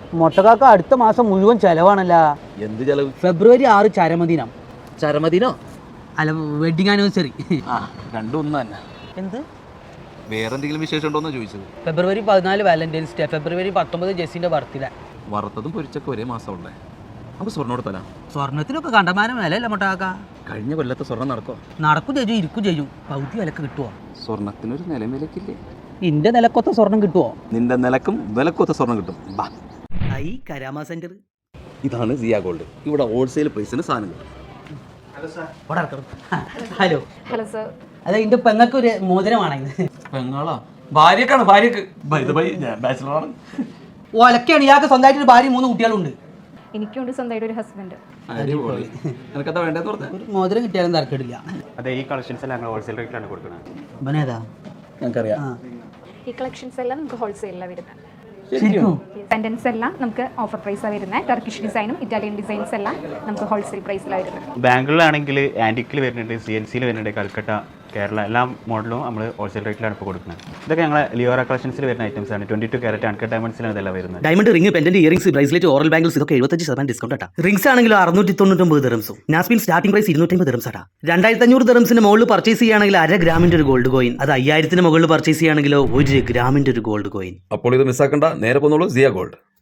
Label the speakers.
Speaker 1: മൊട്ടക്കാക്ക അടുത്ത മാസം മുഴുവൻ ചെലവാണല്ലോ.
Speaker 2: എന്ത് ചെലവ്?
Speaker 1: ഫെബ്രുവരി 6 ചരമദിനം.
Speaker 2: ചരമദിനോ?
Speaker 1: അല്ല, വെഡിങ് ആനിവേഴ്സറി.
Speaker 2: രണ്ടും ഒന്ന് തന്നെ.
Speaker 1: എന്ത്?
Speaker 2: വേറെ എന്തെങ്കിലും വിശേഷം ഉണ്ടോന്നാ ചോദിച്ചത്.
Speaker 1: ഫെബ്രുവരി 14 വാലന്റൈൻസ് ഡേ, ഫെബ്രുവരി 19 ജെസ്സിന്റെ ബർത്ത്ഡേ.
Speaker 2: വറുത്തതും പൊരിച്ചൊക്കെ ഒരേ മാസം ഉള്ളേ. നമുക്ക് സ്വർണ്ണം കൊടുത്തല.
Speaker 1: സ്വർണത്തിനൊക്കെ കണ്ടമാനം വിലയല്ല മൊട്ടക്കാക്ക.
Speaker 2: കഴിഞ്ഞ കൊല്ലത്തെ സ്വർണ്ണം നടക്കോ?
Speaker 1: നടക്കും ചെയ്യും, ഇരിക്കും ചെയ്യും. പകുതി വിലക്ക് കിട്ടുമോ?
Speaker 2: സ്വർണത്തിനൊരു നിലവിലക്കില്ലേ?
Speaker 1: ഇന്റെ നിലക്കൊത്ത സ്വർണം കിട്ടുമോ?
Speaker 2: നിന്റെ നിലക്കും വിലക്കൊത്ത സ്വർണ്ണം കിട്ടും.
Speaker 1: ഐ കരാമ സെന്റർ.
Speaker 2: ഇതാണ് സിയ ഗോൾഡ്. ഇവിടെ ഹോൾസെയിൽ പ്രൈസിന് സാധനം കിട്ടും.
Speaker 1: Hello
Speaker 3: hello sir.
Speaker 1: അതെ, എന്റെ പെങ്ങൾക്ക് ഒരു മോതിരമാണ്.
Speaker 2: പെങ്ങളാ? ഭാര്യക്കാണ്. ഭാര്യക്ക് ഞാൻ ബാച്ചിലറാണ്.
Speaker 1: ഒലക്കാണ്. ഇയാൾക്ക് സ്വന്തമായിട്ട് ഒരു ഭാര്യ 3 കുട്ടികളുണ്ട്.
Speaker 3: എനിക്കുണ്ട് സ്വന്തമായിട്ട് ഒരു ഹസ്ബൻഡ്.
Speaker 2: എനിക്കെന്താ വേണ്ടതെന്ന് പറഞ്ഞാൽ
Speaker 1: ഒരു മോതിരം കിട്ടിയാലും തരക്കേടില്ല.
Speaker 4: അതെ, ഈ കളക്ഷൻസ് എല്ലാം ഞങ്ങൾ ഹോൾസെയിൽ റേറ്റിലാണ് കൊടുക്കുന്നത്.
Speaker 1: ഇവനേതാ?
Speaker 2: ഞങ്ങൾക്കറിയാം.
Speaker 3: ഈ കളക്ഷൻസ് എല്ലാം നമുക്ക് ഹോൾസെയിലാണ് വരുന്നത്.
Speaker 1: ശരിക്കും?
Speaker 3: പെൻഡൻസ് എല്ലാം നമുക്ക് ഓഫർ പ്രൈസാണ് വരുന്നത്. ടർക്കിഷ് ഡിസൈനും ഇറ്റാലിയൻ ഡിസൈൻസ് എല്ലാം നമുക്ക് ഹോൾസെയിൽ പ്രൈസിലാണ് വരുന്നത്.
Speaker 4: ബാംഗ്ലൂരിലാണെങ്കിൽ ആൻറ്റിക്കിൽ വരുന്നുണ്ട്, CNCയിൽ വരുന്നുണ്ട്, കൽക്കട്ട, കേരള എല്ലാ മോഡലും നമ്മൾ ഹോൾസെയിൽ റേറ്റിലാണ് ഇപ്പോൾ കൊടുക്കുന്നത്. ഇതൊക്കെ ഞങ്ങൾ ലിയോറ കളക്ഷൻസിൽ വരുന്ന ഐറ്റംസ് ആണ്. 22 ക്യാരറ്റ് അൺകട്ട് ഡയമണ്ട്സിലാണ് ഇതെല്ലാം വരുന്നത്.
Speaker 5: Diamond ring, pendant, earrings, bracelet, ഓറൽ ബാംഗിൾസ് ഇതൊക്കെ 75% ഡിസ്കൗണ്ട് ആട്ടാ. റിംഗ്സ് ആണെങ്കിൽ 699 ദിർഹംസും. നാസ്പിൻ സ്റ്റാർട്ടിംഗ് പ്രൈസ് 250 ദിർഹംസ് ആട്ടാ. 2500 ദിർഹംസിന് മുകളിൽ പർച്ചേസ് ചെയ്യുകയാണെങ്കിൽ 1/2 ഗ്രാമിന്റെ ഒരു ഗോൾഡ് കോയിൻ. അത് 5000ത്തിന് മുകളിൽ പർച്ചേസ് ചെയ്യുകയാണെങ്കിലോ 1 ഗ്രാമിന്റെ ഒരു ഗോൾഡ് കോയിൻ.
Speaker 6: അപ്പോൾ ഇത് മിസ്സാക്കണ്ട, നേരെ പോന്നോളൂ സിയ ഗോൾഡ്.